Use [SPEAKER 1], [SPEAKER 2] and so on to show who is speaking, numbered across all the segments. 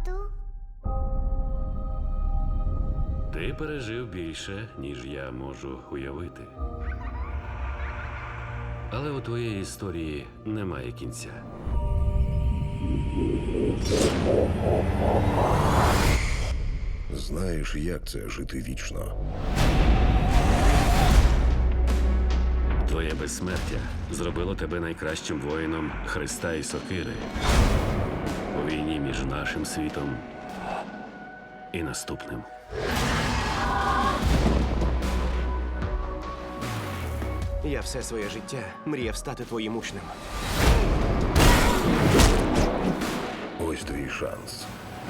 [SPEAKER 1] Тату?
[SPEAKER 2] Ти пережив більше, ніж я можу уявити. Але у твоєї історії немає кінця.
[SPEAKER 3] Знаєш, як це жити вічно?
[SPEAKER 2] Твоє безсмертя зробило тебе найкращим воїном Христа і Сокири у війні між нашим світом і наступним.
[SPEAKER 4] Я все своє життя мріяв стати твоїм учнем.
[SPEAKER 3] Ось твій шанс.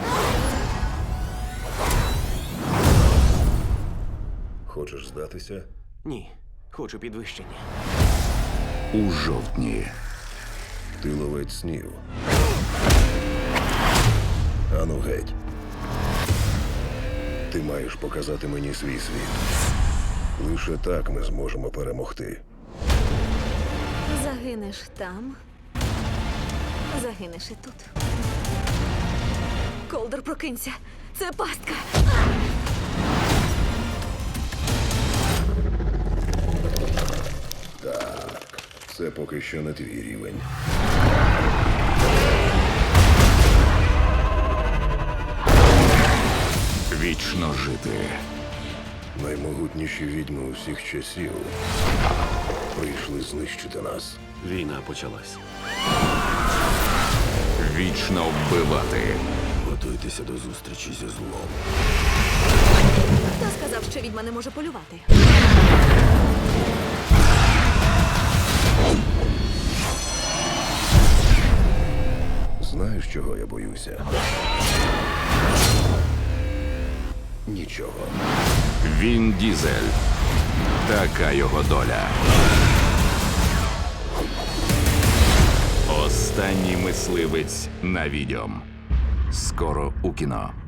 [SPEAKER 3] Хочеш здатися?
[SPEAKER 4] Ні, хочу підвищення.
[SPEAKER 5] У жовтні.
[SPEAKER 3] Ти ловець снів. Ану геть. Ти маєш показати мені свій світ. Лише так ми зможемо перемогти.
[SPEAKER 6] Загинеш там, загинеш і тут. Колдер, прокинься. Це пастка.
[SPEAKER 3] Так, це поки що не твій рівень.
[SPEAKER 5] Вічно жити.
[SPEAKER 3] Наймогутніші відьми усіх часів прийшли знищити нас.
[SPEAKER 2] Війна почалась.
[SPEAKER 5] Вічно вбивати.
[SPEAKER 3] Готуйтеся до зустрічі зі злом.
[SPEAKER 6] Хто сказав, що відьма не може полювати?
[SPEAKER 3] Знаєш, чого я боюся? Нічого.
[SPEAKER 5] Він Дізель. Така його доля. Останній мисливець на відьом. Скоро у кіно.